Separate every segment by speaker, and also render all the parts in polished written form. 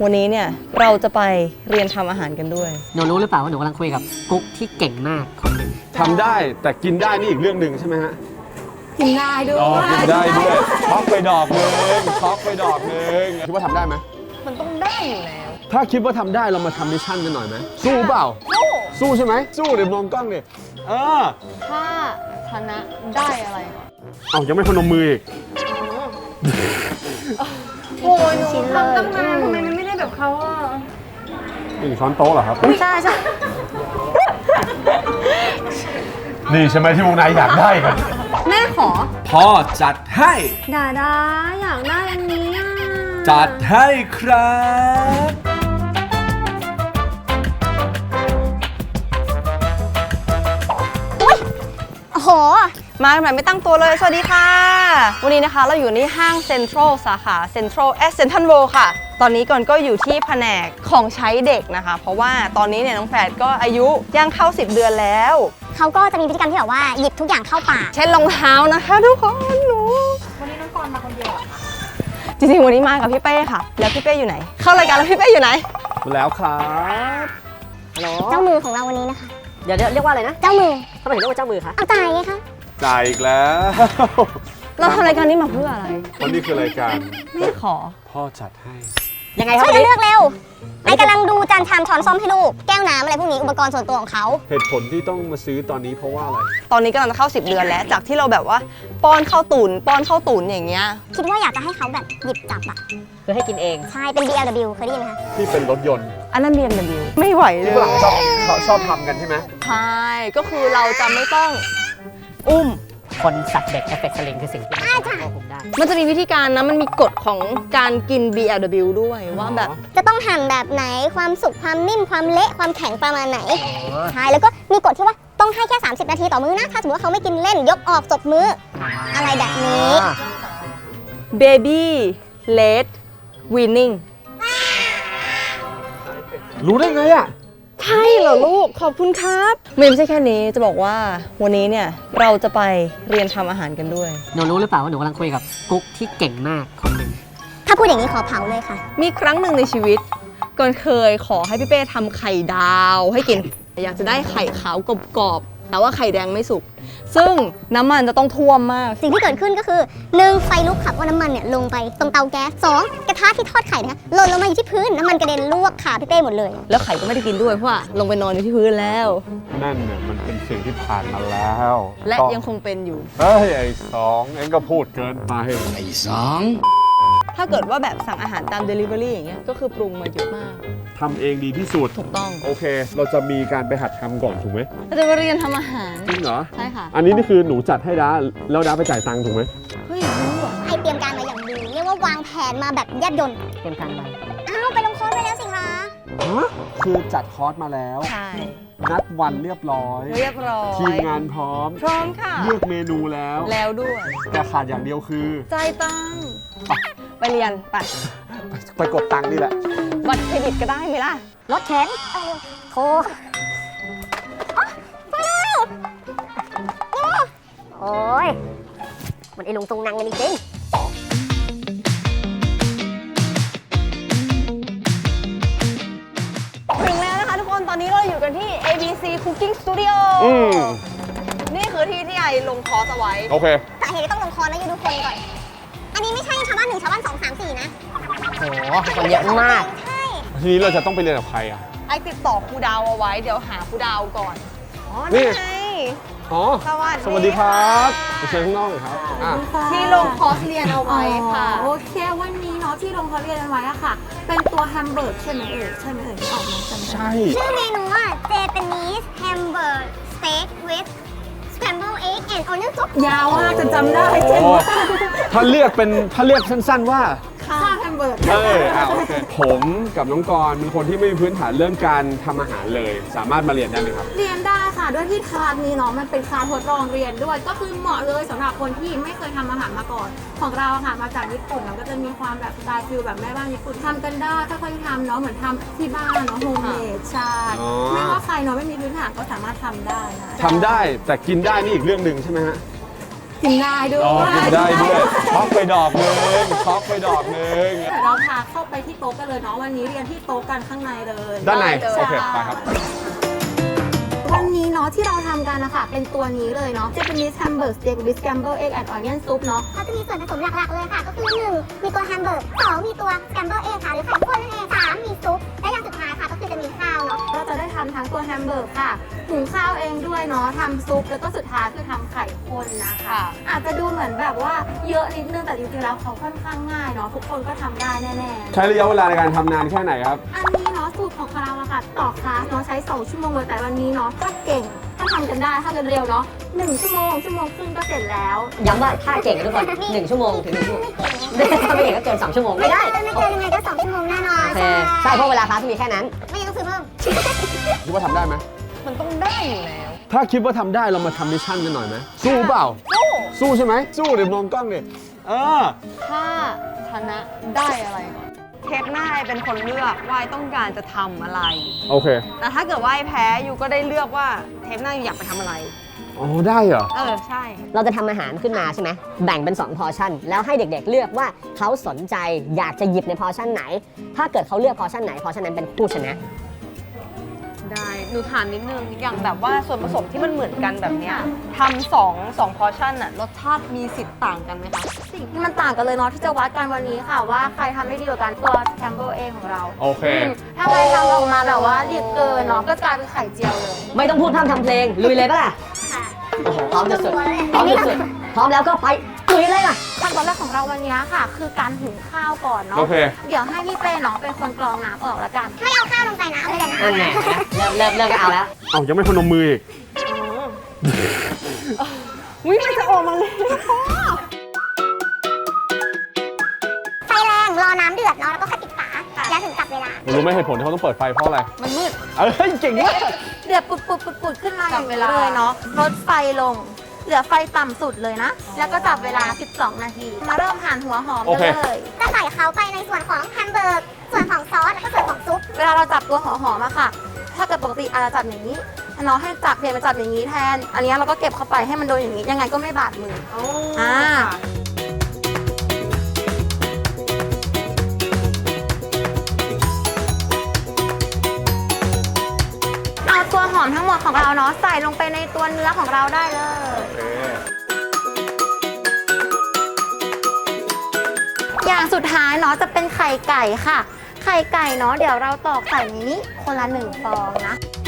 Speaker 1: วันนี้เนี่ยเราจะไปเรียนทำอาหารกันด้วย
Speaker 2: หนูรู้หรือเปล่าว่าหนูกำลังคุยกับกุ๊กที่เก่งมากคนหนึ่ง
Speaker 3: ทำได้แต่กินได้นี่อีกเรื่องหนึ่งใช่ไหมฮะ
Speaker 4: กินได้ด้วย
Speaker 3: อ๋อกินได้ด้วยช็อกไปดอกนึงช็อกไปดอกนึงคิดว่าทำได้ไหม
Speaker 1: มันต้องได้อยู่แล้ว
Speaker 3: ถ้าคิดว่าทำได้เรามาทำมิชชั่นกันหน่อยไหมสู้เปล่าสู้ใช่ไหมสู้เดี๋ยวมองกล้องดิ
Speaker 1: ถ้าชนะได้อะไร
Speaker 3: เอายังไม่พนมมืออีก
Speaker 1: โอ้ยหนูทำตั้งนานทำไมมันไม่ได้แบบเขาอ่ะ
Speaker 3: 1 ช้อนโต๊ะเหรอครับ
Speaker 1: ใช่
Speaker 3: นี่ใช่ไหมที่วงในอยากได้กัน
Speaker 1: แม่ขอ
Speaker 3: พ่อจัดให้
Speaker 1: ดาอยากได้อันนี้
Speaker 3: จัดให้ครับ
Speaker 1: โอ้โหมาแบบไม่ตั้งตัวเลยสวัสดีค่ะวันนี้นะคะเราอยู่ที่ห้างเซ็นทรัลสาขาเซ็นทรัลเซ็นทรัลเวิลด์ค่ะตอนนี้ก่อนก็อยู่ที่แผนกของใช้เด็กนะคะเพราะว่าตอนนี้เนี่ยน้องแฝดก็อายุย่างเข้า10 เดือนแล้ว
Speaker 5: เขาก็จะมีพฤติกรรมที่แบบว่าหยิบทุกอย่างเข้าปาก
Speaker 1: เช่นรองเท้านะคะทุกคนหนู
Speaker 4: วันนี้น้องกรมาคนเดียวเหรอคะ
Speaker 1: จริงๆวันนี้มากับพี่เป้ค่ะแล้วพี่เป้อยู่ไหนเข้ารายการแล้วพี่เป้อยู่ไหน
Speaker 3: แล้วครับ
Speaker 2: ฮัลโหล
Speaker 5: เจ้ามือของเราวันนี้นะคะ
Speaker 2: เดี๋ยวเรียกว่าอะไรนะ
Speaker 5: เจ้ามือ
Speaker 2: ทำไมถึงเรียกว่าเจ้ามือคะ
Speaker 5: เอาจ่ายไงคะ
Speaker 3: จ่ายอีกแล้ว
Speaker 1: เราทำรายการนี้มาเพื่ออะไร
Speaker 3: วันนี้คือรายการ
Speaker 1: แม่ขอ
Speaker 3: พ่อจัดให้
Speaker 2: ยังไงครับ
Speaker 5: ช่วยกันเลือกเร็วไอ้กำลังดูจานชามช้อนส้อมให้ลูกแก้วน้ำอะไรพวกนี้อุปกรณ์ส่วนตัวของเขา
Speaker 3: เหตุผลที่ต้องมาซื้อตอนนี้เพราะว่าอะไร
Speaker 1: ตอนนี้กำลังจะเข้า10 เดือนแล้วจากที่เราแบบว่าป้อนข้าวตุ๋นอย่างเงี้ย
Speaker 5: คิดว่าอยากจะให้เขาแบบหยิบจับอะ
Speaker 2: คือให้กินเอง
Speaker 5: ใช่เป็น BLW เคยได้ยินไหมคะ
Speaker 3: ที่เป็นรถยนต์
Speaker 1: อันนั้น BMW ไม่ไหวเลย
Speaker 3: ที่ฝรั่งชอบทำกันใช่ไหม
Speaker 1: ใช่ก็คือเราจะไม่ต้องอุ้ม
Speaker 2: คนสัตว์เด็กเอฟเฟกต์สลิงคือสิ่งที่เราควบคุมได้
Speaker 1: มันจะมีวิธีการนะมันมีกฎของการกิน BLW ด้วยว่าแบบ
Speaker 5: จะต้องหั่นแบบไหนความสุกความนิ่มความเละความแข็งประมาณไหนใช่แล้วก็มีกฎที่ว่าต้องให้แค่30 นาทีต่อมื้อนะถ้าสมมติว่าเขาไม่กินเล่นยกออกจบมื้ออะไรแบบนี้
Speaker 1: Baby Late Winning
Speaker 3: รู้ได้ไงอ่ะ
Speaker 1: ใช่เหรอลูกขอบคุณครับไม่ใช่แค่นี้จะบอกว่าวันนี้เนี่ยเราจะไปเรียนทำอาหารกันด้วย
Speaker 2: หนูรู้หรือเปล่าว่าหนูกำลังคุยกับกุ๊กที่เก่งมากคนหนึ่ง
Speaker 5: ถ้าพูดอย่างนี้ขอเผาเลยค่ะ
Speaker 1: มีครั้งหนึ่งในชีวิตก่อนเคยขอให้พี่เป้ทำไข่ดาวให้กินอยากจะได้ไข่ขาวกรอบๆแต่ว่าไข่แดงไม่สุกซึ่งน้ำมันจะต้องท่วมมาก
Speaker 5: สิ่งที่เกิดขึ้นก็คือ1ไฟลุกค่ะว่าน้ำมันเนี่ยลงไปตรงเตาแก๊ส2กระทะที่ทอดไข่นะคะหล่นลงมาอยู่ที่พื้นน้ำมันกระเด็นลวกขาพี่เป้หมดเลย
Speaker 1: แล้วไข่ก็ไม่ได้กินด้วยเพราะว่าลงไปนอนอยู่ที่พื้นแล้ว
Speaker 3: นั่นเนี่ยมันเป็นสิ่งที่ผ่านมาแล้ว
Speaker 1: และยังคงเป็นอยู่
Speaker 3: เฮ้ยไอ้2เอ็งก็พูดเกินไป
Speaker 2: ไอ้
Speaker 1: ถ้าเกิดว่าแบบสั่งอาหารตาม Delivery อย่างเงี้ยก็คือปรุงมาเยอะมาก
Speaker 3: ทำเองดีที่สุด
Speaker 1: ถูกต้อง
Speaker 3: โอเคเราจะมีการไปหัดทำก่อนถูกไหม
Speaker 1: เราจะมาเรียนทำอาหาร
Speaker 3: จริงเหรอ
Speaker 1: ใช่ค่ะ
Speaker 3: อันนี้นี่คือหนูจัดให้ด้าแล้วด้าไปจ่ายตังค์ถูกไหม
Speaker 1: เฮ้ยรู้อ่ะ
Speaker 5: ให้เตรียมการมาอย่างดีเรียกว่าวางแผนมาแบบแยบยล
Speaker 2: เตรียมการไป
Speaker 5: ไปลงคอร์สไปแล้วสิคะ
Speaker 3: คือจัดคอร์สมาแล้ว
Speaker 1: ใช่
Speaker 3: นัดวันเรียบร้อยทีมงานพร้อม
Speaker 1: ค่ะ
Speaker 3: เลือกเมนูแล้ว
Speaker 1: ด้วย
Speaker 3: แต่ขาดอย่างเดียวคือ
Speaker 1: จ่ายตังค์ไปเรียน
Speaker 3: ไปกดตังค์นี่แหละ
Speaker 1: บัตรเครดิตก็ได้ไหมล่ะ
Speaker 5: รถเข็นโทรไปเร็วโอ้ยมันไอ้ลุงตรงนังกันจริง
Speaker 1: ถึงแล้วนะคะทุกคนตอนนี้เราอยู่กันที่ ABC Cooking Studio นี่คือที่ที่ไอลงคอร์สเอาไว้
Speaker 3: โอเค
Speaker 5: แต่เหตุต้องลงคอร์สนะยูทุกคนก่อนอันนี้ไม่ใช่ชาวบ้าน1ชาวบ้าน2 3 4นะ
Speaker 2: โอ้โหคนเยอะมาก
Speaker 5: ใช่
Speaker 3: ทีนี้เราจะต้องไปเรียนกับใครอ่ะ
Speaker 1: ไอติดต่อครูดาวเอาไว้เดี๋ยวหาครูดาวก่อน
Speaker 3: นี่
Speaker 1: ไง
Speaker 3: สวัสดีครับไปเชิญข้างนอกเลยครับ
Speaker 1: ที่ลงคอร์สเรียนเอาไว้ค่ะ
Speaker 4: โอเควันนี้เนาะที่ลงคอร์สเรียนเอาไว้อะค่ะเป็นตัวแฮมเบอร์กใช่ไหมที่ออกมา
Speaker 3: ใช่
Speaker 5: ชื่อเมนูว่า Japanese Hamburger Steak with Scrambled Egg and Onion Soup
Speaker 4: ยาวมากจนจำได้เจ๋งมาก
Speaker 3: ถ้าเรียกสั้นๆว่า
Speaker 4: ข้าวแฮมเบอร์ก
Speaker 3: โอเคผมกับน้องกรเป็นคนที่ไม่มีพื้นฐานเรื่องการทำอาหารเลยสามารถมาเรียนได้ไหมครับ
Speaker 4: เรียนได้ค่ะด้วยที่คลาสนี้เนาะมันเป็นคลาสทดลองเรียนด้วยก็คือเหมาะเลยสำหรับคนที่ไม่เคยทำอาหารมาก่อนของเราค่ะมาจากญี่ปุ่นเราก็จะมีความแบบสไตล์ฟิลแบบแม่บ้านญี่ปุ่นทำกันได้ค่อยๆทำเนาะเหมือนทำที่บ้านเนาะโฮมเมดใช่ไม่ว่าใครเนาะไม่มีพื้นฐานก็สามารถทำได้นะ
Speaker 3: ทำได้แต่กินได้นี่อีกเรื่องหนึ่งใช่ไหมฮะ
Speaker 4: กินได้ด้วย
Speaker 3: อ๋อกินได้ด้วยช็อกไปดอกนึงช็อกไปดอกนึง
Speaker 4: เดี๋ยวเราพาเข้าไปที่โต๊ะกันเลยเนาะวันนี้เรียนที่โต๊ะกันข้างในเลย
Speaker 3: ด้านใน
Speaker 4: ใช่
Speaker 3: โอเคไปครับ
Speaker 4: วันนี้เนาะที่เราทำกันนะคะเป็นตัวนี้เลยเนาะ Japanese Hamburger Steak with Scrambled Egg and Onion Soup เนาะ
Speaker 5: เขาจะมีส่วนผสมหลักๆเลยค่ะ ก็คือ 1 มีตัวแฮมเบอร์ก2มีตัวสแกมเบอร์เองค่ะ หรือไข่ข้นนั่นเอง3มีซุป และอย่างสุดท้ายค่ะ ก็คือจะมีข้าวเนาะ
Speaker 4: เราจะได้ทำทั้งตัวแฮมเบอร์กค่ะหุงข้าวเองด้วยเนาะทำซุปแล้วก็สุดท้ายคือทำไข่ข้นนะคะ
Speaker 1: ค่ะ
Speaker 4: อาจจะดูเหมือนแบบว่าเยอะนิดนึงแต่จริงๆแล้วเขาค่อนข้างง่ายเนาะทุกคนก็ทำได้แน่ๆ
Speaker 3: ใช้ระยะเวลาในการทำนานแค่ไหนครับ
Speaker 4: อันนี้เนาะสูตรของเราอะค่ะต่อคลาสเนาะใช้2ชั่วโมงเลยแต่วันนี้เนาะถ้าเก่งถ้าทำกันได้ถ้าเร็วๆเนาะ1ชั่วโมงครึ่งก็เสร็จแล้ว
Speaker 2: ย้ำว่าถ้าเก่งทุกคน1 ชั่วโมงถึง1 ชั่วโมงถ้าไม่เก่งก็เกิน2 ชั่วโมงไม่ได้
Speaker 5: ไม่เกินยังไงก็2ชั่วโมงแน่นอน
Speaker 2: โอเคใช่เพราะเวลาคลาสมีแค่นั้น
Speaker 5: ไม่งั้นต้องซื้อเพิ่ม
Speaker 3: คิดว่าทำได้ไหม
Speaker 1: มันต้องได้อยู่แล้ว
Speaker 3: ถ้าคิดว่าทำได้เรามาทำมิชชั่นกันหน่อยไหมสู้เปล่า สู้ใช่ไหมสู้เดี๋ยวมองกล้องดิ
Speaker 1: ถ้าชนะได้อะไรก่อนเทปหน้าไอเป็นคนเลือกว่าไอต้องการจะทำอะไร
Speaker 3: โอเค
Speaker 1: แต่ถ้าเกิดว่าไอแพ้ยูก็ได้เลือกว่าเทปหน้ายูอยากไปทำอะไร
Speaker 3: อ๋อได้เหรอ
Speaker 1: ใช่
Speaker 2: เราจะทำอาหารขึ้นมาใช่ไหมแบ่งเป็น2 พอร์ชั่น แล้วให้เด็กๆเลือกว่าเขาสนใจอยากจะหยิบในพอร์ชั่นไหน ถ้าเกิดเขาเลือกพอร์ชั่นไหนพอร์ชั่นนั้นเป็นผู้ชนะ
Speaker 1: ได้หนูถามนิดนึง อย่างแบบว่าส่วนผสมที่มันเหมือนกันแบบเนี้ยทำสองพอร์ชั่นอะรสชาติมีสิทธิ์ต่างกันไหมคะ
Speaker 4: สิ่งที่มันต่างกันเลยเนาะที่จะวัดกันวันนี้ค่ะว่าใครทำได้ดีกว่ากันตัวแคมเบอร์เองของเรา
Speaker 3: โอเค
Speaker 4: ถ้าใครทำออกมาแบบว่าดิบเกินเนาะก็กลายเป็นไข่เจียวเลย
Speaker 2: ไม่ต้องพูดพร่ำทำเพลงลุยเลยปะล่ะ
Speaker 5: ค่ะ
Speaker 2: โอ้โหพร้อมจะสุดพร้อมจะสุดพร้อมแล้วก็ไปลุยเลยล่ะ
Speaker 4: ขั้นตอนแรกของเราวันนี้ค่ะ คือการหุงข้าวก่อนเนาะ
Speaker 3: โอเค
Speaker 4: เดี๋ยวให้พี่เป้เนาะเป็นคนกรองน้ำออกละกัน
Speaker 5: ไม่เอาข้าวลงไปนะเลยนะ
Speaker 2: นั่นไงเริ่มก็เอาแล้ว
Speaker 3: เอายังไม่พนมมืออีก
Speaker 1: วิมันจะออกมาเลย
Speaker 5: ไฟแรงรอน้ำเดือดเนาะแล้วก็ค่อยปิดฝาแล้วถึงจับเวลา
Speaker 3: รู้ไหมเหตุผลที่เขาต้องเปิดไฟเพราะอะไร
Speaker 1: มันมืด
Speaker 3: เก่งมาก
Speaker 4: เดือดปุดๆขึ้นมาอย่างนี้เลยเนาะลดไฟลง เหลือไฟต่ำสุดเลยนะ แล้วก็จับเวลา 12 นาที มาเริ่มหั่นหัวหอม
Speaker 3: โอ
Speaker 4: กัน
Speaker 3: เค
Speaker 4: เลย
Speaker 5: จะใส่เขาไปในส่วนของแฮมเบอร์กส่วนของซอส แล้วก็ส่วนของซุป
Speaker 4: เวลาเราจับตัวหัวหอมอะค่ะ ถ้าเกิดปกติอาจจะจับอย่างนี้เนาะให้จับเปลี่ยนมาจับอย่างนี้แทน อันนี้เราก็เก็บเข้าไปให้มันโดนอย่างนี้ ยังไงก็ไม่บาดมือ เอาตัวหอมทั้งหมดของเราเนาะใส่ลงไปในตัวเนื้อของเราได้เลย อย่างสุดท้ายเนาะจะเป็นไข่ไก่ค่ะ ไข่ไก่เนาะเดี๋ยวเราตอกใส่ในนี้คนละ1 ฟองนะ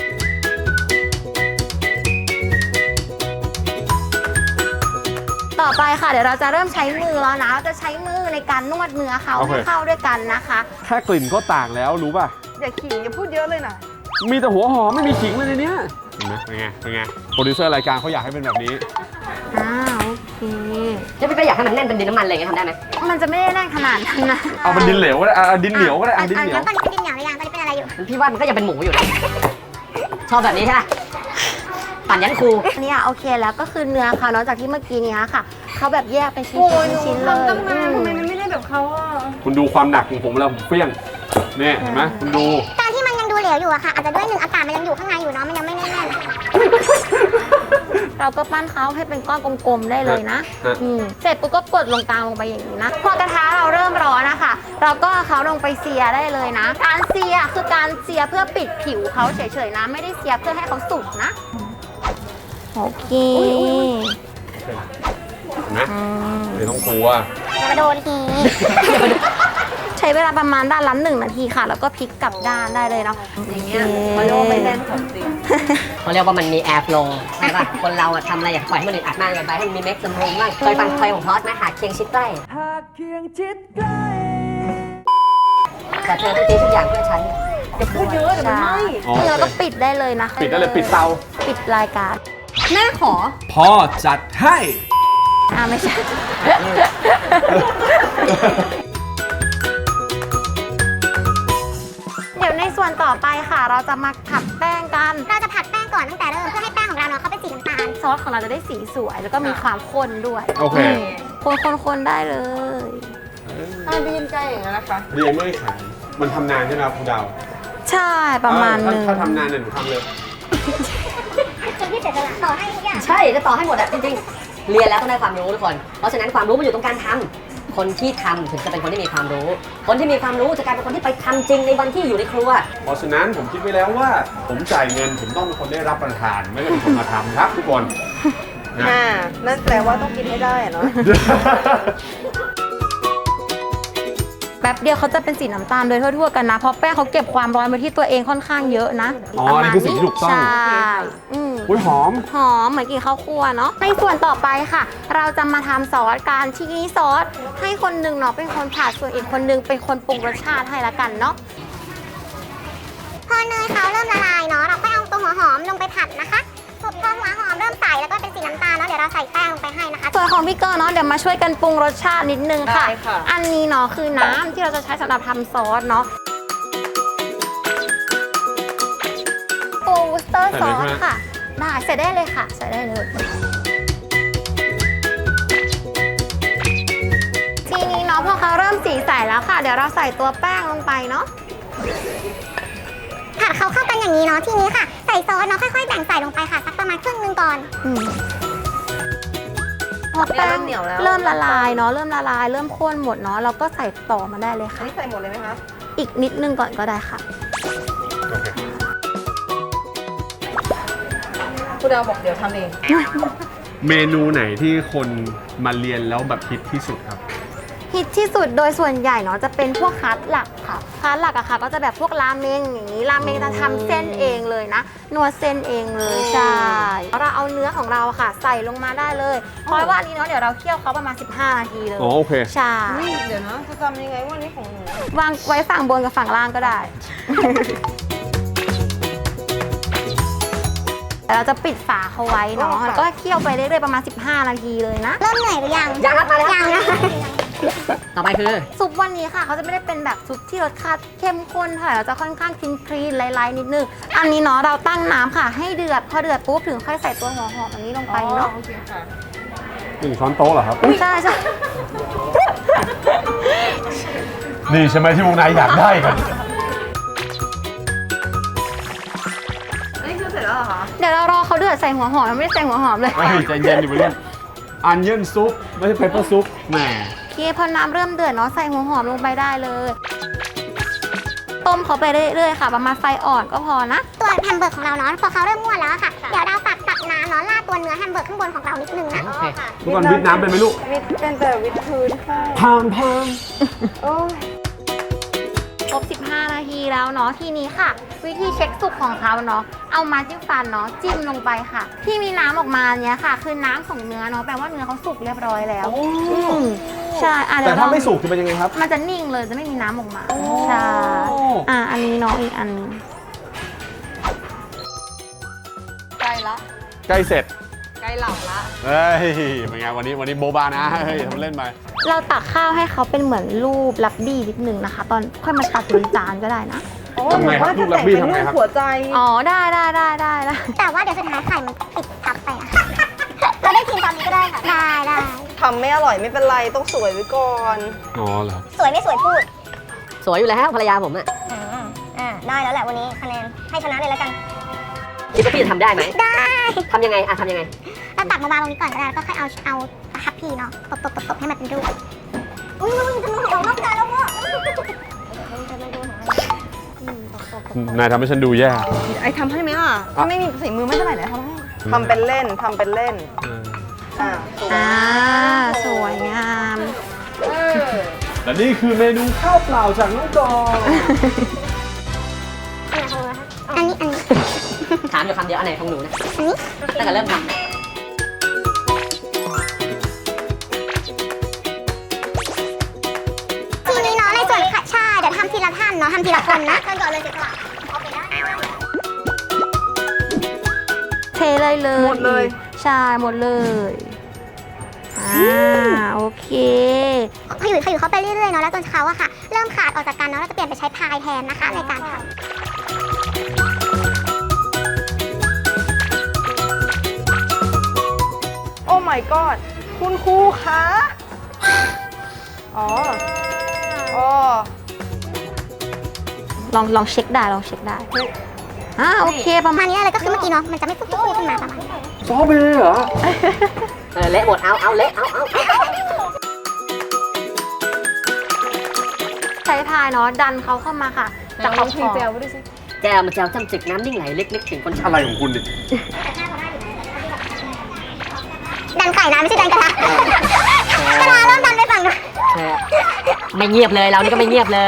Speaker 4: ต่อไปค่ะเดี๋ยวเราจะเริ่มใช้มือแล้วนะเราจะใช้มือในการนวดเนื้อเขา
Speaker 3: โอเค
Speaker 4: ให้เข้าด้วยกันนะคะ
Speaker 3: แค่กลิ่นก็ต่างแล้วรู้ป่ะ
Speaker 1: อย่าขิงอย่าพูดเยอะเลยนะ
Speaker 3: มีแต่หัวหอมไม่มีขิงเลยในเนี้ยเห็นไหมเป็นไง เป็นไง โปรดิวเซอร์รายการเขาอยากให้เป็นแบบนี้
Speaker 4: โอเค
Speaker 2: จะพี่ไปอยากให้มันแน่นเป็นดินน้ำมันอะไรอย่างเงี้ยทำได้ไหม
Speaker 4: มันจะไม่ได้แน่นขนาดนั้นนะ
Speaker 3: เอาเป็นดินเหลวก็ได้ดินเหนียวก็ได้ดินเหนียว
Speaker 5: ตอนนี้เป็นดินเหนียวหรือยังตอนนี้เป็นอะไรอยู่
Speaker 2: พี่ว่ามันก็ยังเป็นหมูอยู่นะชอบแบบนี้ใช่ไหมปั่นยันครู
Speaker 4: อันนี้โอเคแล้วก็คือเนื้อเขาเนาะจากที่เมื่อกี้เนี้ยค่ะเขาแบบแยกเป็นชิ้นๆเลย
Speaker 1: ทำตั้งนานทำไมมันไม่ได้แบบเขาอ่ะ
Speaker 3: คุณดูความหนักของผมแล้วผมเฟี้ยงเนี่ยเห็นไหมคุณดู
Speaker 5: การที่มันยังดูเหลวอยู่อะค่ะ อาจจะด้วย1อากาศมันยังอยู่ข้างในอยู่เนาะ มันยังไม่แน่น
Speaker 4: เราก็ปั้นเขาให้เป็นก้อนกลมๆได้เลยนะเสร็จปุ๊บก็กดลงตามลงไปอย่างนี้นะ พอกระทะเราเริ่มร้อนนะคะ เราก็เอาเขาลงไปเสียได้เลยนะ การเสียคือการเสียเพื่อปิดผิวเขาเฉยๆนะ ไม่ได้เสียเพื่อให้เขาสุกนะ โอเค
Speaker 3: เห็นไหมไม่ต้องกลัว
Speaker 5: ๆอย่ามาโดนที
Speaker 4: ใช้เวลาประมาณด้านละ1 นาทีค่ะ แล้วก็พลิกกลับด้านได้เลยเนาะ
Speaker 1: อย่างเงี้ยเขาเรียกว่าไม่แน่นของจริง
Speaker 2: เขาเรียกว่ามันมีแอร์โฟลว์ใช่ป่ะ คนเราอะทำอะไรอยากปล่อยให้มันอึดอัดมากเกินไปให้มันมีเม็กซ์สมรุงบ้างเคยฟังเพลงของพอสไหมหากเคียงชิดใกล้แต่เธอต้องทิ้งทุกอย่างเพื่อฉัน
Speaker 1: อย่าพูดเยอะเดี๋ยวมันไหม้
Speaker 3: อ๋อ
Speaker 4: เราก็ปิดได้เลยนะ
Speaker 3: ปิดได้เลยปิดเตา
Speaker 4: ปิดรายการ
Speaker 1: แม่ขอ
Speaker 3: พ่อจัดให้
Speaker 4: ไม่ใช่ เดี๋ยวในส่วนต่อไปค่ะ เราจะมาผัดแป้งกัน
Speaker 5: เราจะผัดแป้งก่อนตั้งแต่เริ่มเพื่อให้แป้งของเราเนาะเขาเป็นสีน้ำตาล
Speaker 4: ซอสของเราจะได้สีสวย แล้วก็มีความข้นด้วย
Speaker 3: โอเค
Speaker 4: คนได้เลย
Speaker 1: ถ้าบีนใกล้อย่างนั้นนะคะ
Speaker 3: เรียนไม่ขายมันทำนานใช่ไหมครับคุณดาว
Speaker 4: ใช่ประมาณนึง
Speaker 3: ถ้าทำนานเนี่ยหนูทำเลย
Speaker 5: จนที่เสร็จแล้วต่อให้ทุกอย่าง
Speaker 2: ใช่จะต่อให้หมดอะจริงเรียนแล้วต้องได้ความรู้ทุกคน เพราะฉะนั้นความรู้มันอยู่ตรงการทำคนที่ทำถึงจะเป็นคนที่มีความรู้ คนที่มีความรู้จะกลายเป็นคนที่ไปทำจริงในวันที่อยู่ในครัว
Speaker 3: เพราะฉะนั้นผมคิดไว้แล้วว่า ผมจ่ายเงินผมต้องเป็นคนได้รับประทาน ไม่ได้เป็นคนมาทำครับทุกคนนะ
Speaker 1: นั่นแปลว่าต้องกินให้ได้อะเนาะ
Speaker 4: แป๊บเดียวเขาจะเป็นสีน้ำตาลโดยทั่วๆกันนะ เพราะแป้งเขาเก็บความร้อนไว้ที่ตัวเองค่อนข้างเยอะนะ
Speaker 3: อ๋อนี่คือสิ่งที่ถูกต้อง
Speaker 4: ใช่
Speaker 3: อุ้ยหอม
Speaker 4: หอมเหมือนกินข้าวคั่วเนาะในส่วนต่อไปค่ะ เราจะมาทำซอสการที่นี้ซอสให้คนหนึ่งเนาะเป็นคนผัดส่วนอีกคนหนึงเป็นคนปรุงรสชาติให้ละกันเนาะ
Speaker 5: พอเนยเขาเริ่มละลายเนาะเราก็เอาตัวหัวหอมลงไปผัดนะคะพอหัวหอมเริ่มใสแล้วก็เป็นสีน้ำตาลเนาะเดี๋ยวเราใส่แป้งลงไปให้นะคะ
Speaker 4: ส่วนของพี่เกอร์เนาะเดี๋ยวมาช่วยกันปรุงรสชาตินิดนึงค่ะ
Speaker 1: ได้ค่ะ
Speaker 4: อันนี้เนาะคือน้ำที่เราจะใช้สำหรับทำซอสเนาะโอวูสเตอร์ซอสค่ะ ได้ใส่ได้เลยค่ะใส่ได้เลยทีนี้เนาะพอเขาเริ่มสีใสแล้วค่ะ เดี๋ยวเราใส่ตัวแป้งลงไปเนาะ
Speaker 5: ผัดเขาเข้ากันอย่างนี้เนาะทีนี้ค่ะใส่ซอสเนาะค่อยๆแบ่งใส่ลงไปค่ะสักประมาณครึ่งนึงก่อน
Speaker 4: พอแป้ง
Speaker 1: เริ่มเหนียวแล้ว
Speaker 4: เริ่มละลายเนาะเริ่มละลายเริ่มข้นหมดเนาะเราก็ใส่ต่อมาได้เลย
Speaker 1: อัน
Speaker 4: ค่ะ
Speaker 1: นี้ใส่หมดเลยไหมคะ
Speaker 4: อีกนิดนึงก่อนก็ได้ค่ะ
Speaker 1: คุณดาวบอกเดี๋ยวทำเอง
Speaker 3: เมนูไหนที่คนมาเรียนแล้วแบบฮิตที่สุดครับ
Speaker 4: ฮิตที่สุดโดยส่วนใหญ่เนาะจะเป็นพวกคัสหลักค่ะคัสหลักอะค่ะก็จะแบบพวกราเมงอย่างนี้ราเมงจะทำเส้นเองเลยนะนวดเส้นเองเลยใช่เราเอาเนื้อของเราอะค่ะ ใส่ลงมาได้เลยเพราะว่าอันนี้เนาะเดี๋ยวเราเคี่ยวเขาประมาณ15 นาทีเลย
Speaker 3: อ๋อโอเค
Speaker 4: ใช่
Speaker 1: เดี๋ยวนะจะจำยังไงว่านี่ของหนู
Speaker 4: วางไว้ฝั่งบนกับฝั่งล่างก็ได้ แต่เราจะปิดฝาเขาไว้เนาะแล้วก็เคี่ยวไปเรื่อยๆประมาณ15 นาทีเลยนะ
Speaker 5: เริ่มเหนื่อยหรือยัง
Speaker 2: ยังครับมาแล้ว
Speaker 5: ยังนะ
Speaker 2: ต่อไปคือ
Speaker 4: ซุปวันนี้ค่ะเขาจะไม่ได้เป็นแบบซุปที่รสชาติเข้มข้นเท่าไหร่เราจะค่อนข้างคลีนๆไลท์ๆนิดนึงอันนี้เนาะเราตั้งน้ำค่ะให้เดือดพอเดือดปุ๊บถึงค่อยใส่ตัวหัวหอมอันนี้ลงไปเนาะ
Speaker 1: โอเคค่ะ
Speaker 3: 1 ช้อนโต๊ะเหรอครับ
Speaker 4: ใช่ใช่
Speaker 3: นี่ใช่ไหมที่วงในอยากได้กัน
Speaker 1: อันนี้คือเสร็จแล้วเหรอคะ
Speaker 4: เดี๋ยวเรารอเขาเดือดใส่หัวหอมยังไม่ได้ใส่หัวหอมเลย
Speaker 3: เฮ้ยใจเย็นดิวัยรุ่นอันเยินซุปไม่ใช่เปเปอร์ซุปแหม
Speaker 4: โอเคพอน้ำเริ่มเดือดเนาะใส่หัวหอมลงไปได้เลย ต้มเขาไปเรื่อยๆค่ะ ประมาณไฟอ่อนก็พอนะ
Speaker 5: ตัวแฮมเบอร์กของเราเนาะพอเขาเริ่มงวดแล้วอะค่ะ เดี๋ยวเราตักน้ำเนาะราดตัวเนื้อแฮมเบอร์กข้างบนของเรานิดนึงนะ
Speaker 2: โอเค
Speaker 3: ทุกคนวิทน้ำเป็นไหมลูก
Speaker 1: วิทเป็นแต่วิทพื้นค่ะ
Speaker 3: พามพาม
Speaker 1: โอ้ย
Speaker 4: ครบ15 นาทีแล้วเนาะทีนี้ค่ะ วิธีเช็คสุกของเขาเนาะเอามาจิ้มฟันเนาะจิ้มลงไปค่ะ ที่มีน้ำออกมาเนี้ยค่ะ คือน้ำของเนื้อเนาะแปลว่าเนื้อเขาสุกเรียบร้อยแล้วใช่เดี๋
Speaker 3: แต่
Speaker 4: ยว
Speaker 3: ถ้า
Speaker 4: ลอง
Speaker 3: ไม่สุกจะเป็นยังไงครับ
Speaker 4: มันจะนิ่งเลยจะไม่มีน้ำออกมาใช่อันนี้เนาะอีกอันหนึง
Speaker 1: ใกล้ละ
Speaker 3: ใกล้เสร็จ
Speaker 1: ใกล้หลับละ
Speaker 3: เฮ้ยเป็นไงวันนี้โบบานะเฮ้ยทำเล่นไป
Speaker 4: เราตักข้าวให้เขาเป็นเหมือนรูปลักบี้นิดนึงนะคะ ตอนค่อยมาตักบนจานก็ได้นะ
Speaker 3: ทำไงครับลูกลักบี้ทำไงครับ
Speaker 1: หัวใจ
Speaker 4: อ๋อได้ได้
Speaker 5: แต่ว่าเดี๋ยวสุดท้ายไข่มันติดทับไปอะ เราได้กินตอนนี้ก็ได้ค่ะ ได้
Speaker 1: ทำไม่อร่อยไม่เป็นไรต้องสวยไว้ก่อน
Speaker 3: อ๋อเหรอ
Speaker 5: สวยไม่สวยพูด
Speaker 2: สวยอยู่แล้วภรรยาผมอะ
Speaker 5: ได้แล้วแหละวันนี้คะแนนให้ชนะเลยแล้วกัน
Speaker 2: คิดว่าพี่จะทำได้ไหม
Speaker 5: ได้
Speaker 2: ทำยังไงทำยังไง
Speaker 5: เราตักมาวางตรงนี้ก่อนก็ได้แล้วก็ค่อยเอาทัพพีเนาะตบให้มันเป็นรูปอุ้ยจะมือของนอกจานแล้วว่ะ
Speaker 3: นายทำให้ฉันดูแย่
Speaker 1: ไอทำให้ไหมล่ะถ้าไม่มีสีมือไม่เท่าไหร่นะทำให้ทำเป็นเล่นทำเป็นเล่น
Speaker 4: สวยงาม
Speaker 3: และนี่คือเมนูข้าวเปล่าจากน้องกอน
Speaker 5: อันนี้
Speaker 2: ถามอยู่คำเดียวอันไหนของหนูนะ
Speaker 5: อันนี้
Speaker 2: ตั้งแต่เริ่มทำ
Speaker 5: ทีนี้เนาะในส่วนค่ะใช่เดี๋ยวทำทีละท่านเนาะทำทีละคนนะท่านก่อนเลยสิค่ะโอเคได้
Speaker 4: เทเลยเลย
Speaker 1: หมดเลย
Speaker 4: ใช่หมดเลยโอเค
Speaker 5: พออยู่เขาไปเรื่อยๆเนาะแล้วจนเขาอะค่ะ เริ่มขาดออกจากกันเนาะเราจะเปลี่ยนไปใช้พายแทนนะคะในการทำ
Speaker 1: โอ้ my god คุณครูคะอ๋อ
Speaker 4: ลองเช็คได้โอเคประ
Speaker 5: ประ
Speaker 4: มา
Speaker 5: มา
Speaker 4: ณ
Speaker 5: ณนี้เลยก็คือเมื่อกี้เนาะมันจะไม่ฟุบๆขึ้นมาประมาณนี้
Speaker 3: ซอเบย์เหรอ
Speaker 2: เละหมดเอาเละเอา
Speaker 4: ใช้พายเนาะดันเขาเข้ามาค่ะจากขอบคอ
Speaker 2: แก้วมันแจวจ้ำจึกน้ำนิ่งไหลเล็กๆถึงคน
Speaker 3: อะไรของคุณดิ
Speaker 5: ดันไข่นะไม่ใช่ดันกระทะกระทะเริ่มดันไปฝั่งนู้น
Speaker 2: ไม่เงียบเลยเรานี่ก็ไม่เงียบเลย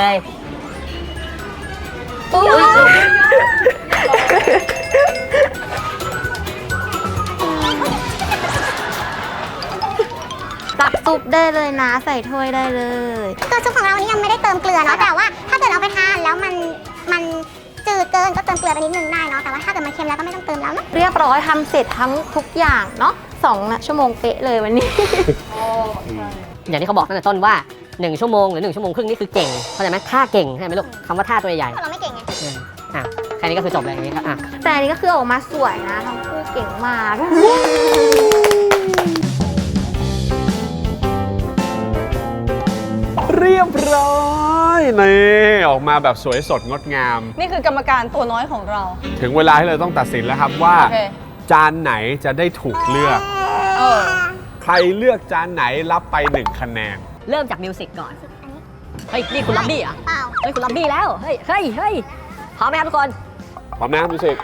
Speaker 4: ตักซุปได้เลยนะใส่ถ้วยได้เลย
Speaker 5: ตัวซุปของเรานี่ยังไม่ได้เติมเกลือเนาะแต่ว่าถ้าเกิดเอาไปทานแล้วมันจืดเกินก็เติมเกลือไปนิดนึงได้เนาะแต่ว่าถ้าเกิดมันเค็มแล้วก็ไม่ต้องเติมแล้วเนาะ
Speaker 4: เรียบร้อยทำเสร็จทั้งทุกอย่างเนาะ2 ชั่วโมงเป๊ะเลยวันนี้
Speaker 2: อย่างที่เขาบอกตั้งแต่ต้นว่า 1 ชั่วโมงหรือ1 ชั่วโมงครึ่งนี่คือเก่งเข้าใจไหมท่าเก่งใช่ไหมลูกคำว่าท่าตัวใหญ่
Speaker 5: เราไม่เก่งไง
Speaker 2: แค่นี้ก็คือจบเลยอย่างนี้ครับ
Speaker 4: แต่อันนี้ก็คือออกมาสวยนะทั้งคู่เก่งมาก
Speaker 3: เรียบร้อยนี่ออกมาแบบสวยสดงดงาม
Speaker 1: นี่คือกรรมการตัวน้อยของเรา
Speaker 3: ถึงเวลาที่เราต้องตัดสินแล้วครับว่า
Speaker 1: โอเค
Speaker 3: จานไหนจะได้ถูกเลือก
Speaker 1: เออ
Speaker 3: ใครเลือกจานไหนรับไป 1 คะแนน
Speaker 2: เริ่มจากมิวสิกก่อน เฮ้ย นี่คุณล็อบบี้เหรอ
Speaker 5: เปล่า
Speaker 2: เฮ้ย คุณล็อบบี้แล้ว เฮ้ยพร้อมไหมครับทุกคน
Speaker 3: พร้อมนะครับมิวสิก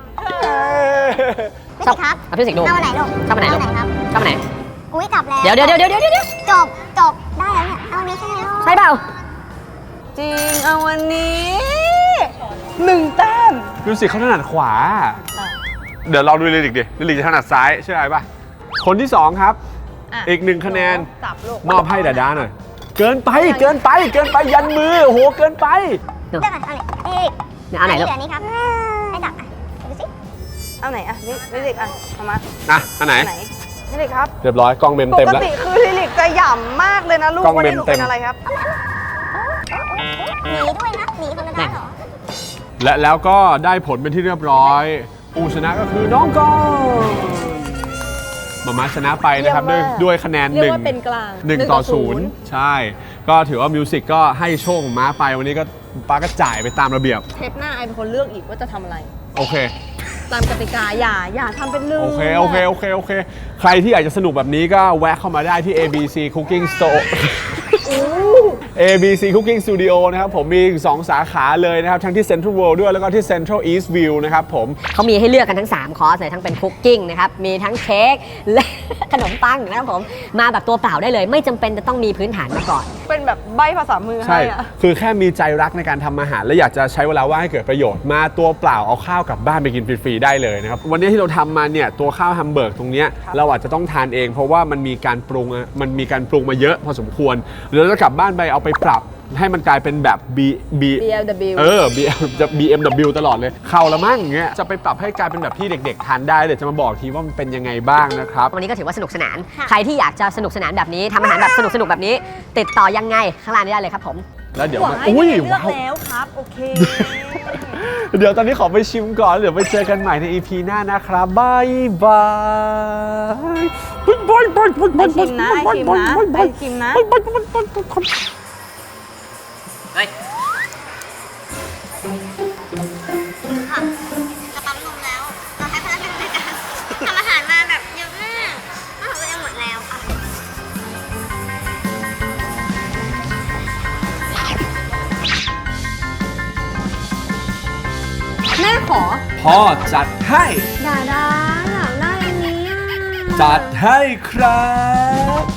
Speaker 5: ไม่ใช่ครับ
Speaker 2: เอามิวสิกดู
Speaker 5: เอาอันไหนลูก
Speaker 2: ชอบอันไหนลูก
Speaker 5: เอาอันไหนครับ
Speaker 2: ชอบอันไหน
Speaker 5: อุ้ยกลับแล้ว
Speaker 2: เดี๋ยว
Speaker 5: จบได้แล้วเนี่ยเอาอันนี้ใช่ไหมลูก
Speaker 2: ใช่เปล่า
Speaker 1: จริงเอาวันนี้1 แต้ม
Speaker 3: มิวสิกเขาถนัดขวา เดี๋ยวเราดูลิลิกดิลิลิกจะถนัดซ้ายเชื่ออะไรป่ะ คนที่ 2 ครับ
Speaker 1: อ่ะ
Speaker 3: อีก 1 คะแนน
Speaker 1: จับลูก
Speaker 3: มอบให้ดาดาหน่อย เกินไปยันมือโอ้โหเกินไป
Speaker 5: เลือกก่อนเอาไหนนี่
Speaker 2: เนี่ยเอาไหนลูก
Speaker 5: เหลือนี้ครับให้จับอ่ะดูสิ
Speaker 1: เอาไหนอ่ะลิลิกอ่ะเอามา
Speaker 3: อ่ะอันไหน
Speaker 1: ไหนลิลิกครับ
Speaker 3: เรียบร้อยกล้องเมม
Speaker 1: ป
Speaker 3: เต็ม
Speaker 1: ก
Speaker 3: แล้ว
Speaker 1: ติคือลิลิกจะหย่ำมากเลยนะลูก
Speaker 3: กล้อง
Speaker 1: วัน
Speaker 3: เม
Speaker 1: นี้
Speaker 3: ม
Speaker 1: หนู
Speaker 3: เต็
Speaker 1: เป็
Speaker 3: ม
Speaker 1: นอะไรครับ
Speaker 5: หนีด้วยนะหนีคนละด้านเหรอ
Speaker 3: และแล้วก็ได้ผลเป็นที่เรียบร้อยผู้ชนะก็คือน้องกอนมาม่าชนะไปนะครับ
Speaker 1: เยี่ยมมาก
Speaker 3: ด้วยคะแนน
Speaker 1: เรียกว่าเป็นกลาง
Speaker 3: 1 ต่อ 0 ใช่ ก็ถือว่ามิวสิกก็ให้โชคของม้าไปวันนี้ก็ป้าก็จ่ายไปตามระเบียบ
Speaker 1: เทปหน้าไอเป็นคนเลือกอีกว่าจะทำอะไร
Speaker 3: โอเค
Speaker 1: ตามกติกาอย่าทำเป็นลืม
Speaker 3: โอเค ใครที่อยากจะสนุกแบบนี้ก็แวะเข้ามาได้ที่ ABC Cooking Store ABC Cooking Studio นะครับผมมี2 สาขาเลยนะครับ ทั้งที่ Central World ด้วยแล้วก็ที่ Central East View นะครับผม
Speaker 2: เขามีให้เลือกกันทั้ง 3 คอร์สเลยทั้งเป็นคุกกิ้งนะครับ มีทั้งเค้กและ ขนมปังนะครับผม มาแบบตัวเปล่าได้เลย ไม่จำเป็นจะต้องมีพื้นฐานมาก่อน
Speaker 1: เป็นแบบใบภาษามือ
Speaker 3: ใช่
Speaker 1: ให้อะ
Speaker 3: คือแค่มีใจรักในการทำอาหาร และอยากจะใช้เวลาว่างให้เกิดประโยชน์ มาตัวเปล่าเอาข้าวกลับบ้านไปกินฟรีๆได้เลยนะครับ วันนี้ที่เราทำมาเนี่ยตัวข้าวแฮมเบอร์กตรงเนี้ยเราอาจจะต้องทานเอง เพราะว่ามันมีการปรุงมาเยอะพอสมควรหรือเราจะกลับบ้านไปเอาไปปรับให้มันกลายเป็นแบบ
Speaker 1: BLW
Speaker 3: BMW ตลอดเลยเข้าละมั่งเงี้ยจะไปปรับให้กลายเป็นแบบที่เด็กๆทานได้เดี๋ยวจะมาบอกทีว่ามันเป็นยังไงบ้างนะครับ
Speaker 2: วันนี้ก็ถือว่าสนุกสนาน ใครที่อยากจะสนุกสนานแบบนี้ทำอาหารแบบสนุกแบบนี้ ติดต่อยังไงข้างล่างนี้ได้เลยครับผม
Speaker 3: แล้วเดี๋ยว
Speaker 1: หวาย
Speaker 3: อุ้ย
Speaker 1: เลือก
Speaker 3: ว้าว
Speaker 1: แล้วครับ โอเค
Speaker 3: เดี๋ยวตอนนี้ขอไปชิมก่อน เดี๋ยวไปเจอกันใหม่ใน EP หน้านะครับบายบาย
Speaker 1: ไอชิมนะไอชิมนะไอชิมนะ
Speaker 2: เฮ้ย
Speaker 5: จะปั๊มนมแล้วเราให้พนักงานในการทำอาหารมาแบบเยอะมากอาหารตัวเองหมดแล้วค่ะ
Speaker 1: แม่ขอ
Speaker 3: พ่อจัดให้
Speaker 4: ดาอยากได้อันนี้อ่ะ
Speaker 3: จัดให้ครับ